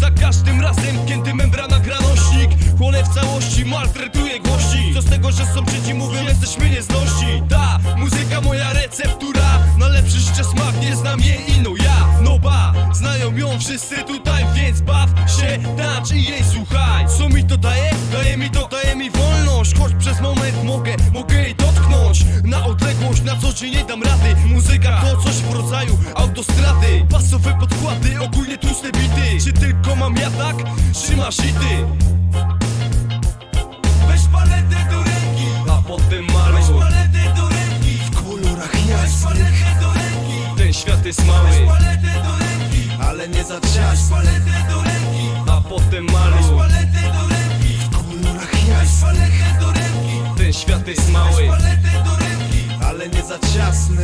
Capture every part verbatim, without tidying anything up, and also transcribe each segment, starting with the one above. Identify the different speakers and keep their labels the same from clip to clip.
Speaker 1: Za każdym razem, kiedy membrana gra nośnik, chłonę w całości, maltretuje głośnik. Co z tego, że są trzeci mówią, jesteśmy nieznośni. Ta muzyka moja receptura, na lepszy jeszcze smak, nie znam jej ino ja. No ba, znają ją wszyscy tutaj, więc baw się, tańcz i jej słuchaj. Co mi to daje? Daje mi to, daje mi wolność. Choć przez moment mogę, mogę jej dotknąć. Na odległość, na co dzień nie dam rady. Muzyka to coś w rodzaju autostrady. Basowe podkłady, ogólnie tłuste bity. Czy tylko mam ja tak? Czy masz i ty?
Speaker 2: Weź paletę do ręki,
Speaker 1: A potem maluj.
Speaker 2: weź paletę do ręki,
Speaker 3: W kolorach
Speaker 2: weź
Speaker 3: jasnych,
Speaker 2: paletę do ręki,
Speaker 1: Ten świat jest mały.
Speaker 2: weź paletę do ręki,
Speaker 3: ale nie za
Speaker 2: weź
Speaker 3: ciasny.
Speaker 2: paletę do ręki,
Speaker 1: A potem
Speaker 2: weź
Speaker 1: maluj.
Speaker 2: paletę do ręki,
Speaker 3: W kolorach
Speaker 2: weź
Speaker 3: jasnych,
Speaker 2: paletę do ręki,
Speaker 1: Ten świat jest
Speaker 2: weź
Speaker 1: mały.
Speaker 2: paletę do ręki.
Speaker 3: ale nie za ciasny.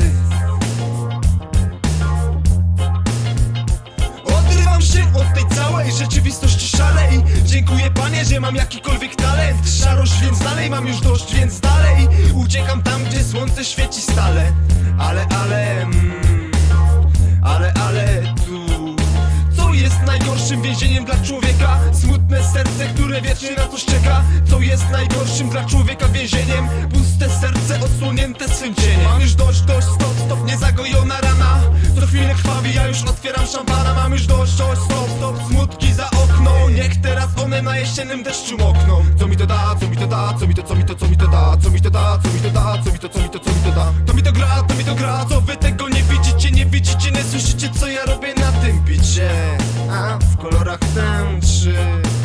Speaker 3: Odrywam się od tej całej rzeczywistości szalej. Dziękuję Panie, że mam jakikolwiek talent. Szarość, więc dalej mam już dość, więc dalej uciekam tam, gdzie słońce świeci stale. Ale, ale, mm, ale, ale tu co jest najgorszym więzieniem dla człowieka? Smutne serce, które wiecznie na coś czeka. Co jest najgorszym dla człowieka więzieniem? Puste serce odsłonięte swym cieniem. Mam już dość, dość, stop, stop, niezagojona rana. Co chwilę krwawi, ja już otwieram szampana. Mam już dość, dość, stop, stop, smutki za okno. Niech teraz one na jesiennym deszczu mokną. Co mi to da, co mi to da, co mi to, co mi to, co mi to da, co mi to da, co mi to da, co mi to, co mi to, co mi to da. To mi to gra, to mi to gra, co wy tego nie widzicie, nie widzicie, nie słyszycie, co ja robię na tym bicie. A w kolorach tęczy.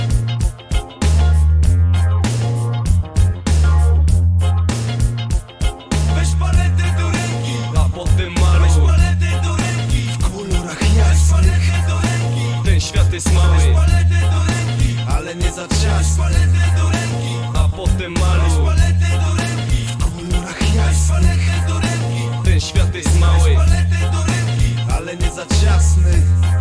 Speaker 2: Weź paletę do ręki,
Speaker 1: A potem
Speaker 2: weź
Speaker 1: maluj.
Speaker 2: paletę do ręki,
Speaker 3: W kolorach
Speaker 2: weź
Speaker 3: jasnych,
Speaker 2: paletę do ręki,
Speaker 1: Ten świat jest
Speaker 2: weź
Speaker 1: mały.
Speaker 2: paletę do ręki,
Speaker 3: ale nie za
Speaker 2: weź
Speaker 3: ciasny.
Speaker 2: paletę do ręki,
Speaker 1: A potem
Speaker 2: weź
Speaker 1: maluj.
Speaker 2: paletę do ręki,
Speaker 3: W kolorach
Speaker 2: weź
Speaker 3: jasnych,
Speaker 2: paletę do ręki,
Speaker 1: Ten świat jest
Speaker 2: weź
Speaker 1: mały.
Speaker 2: paletę do ręki.
Speaker 3: ale nie za ciasny.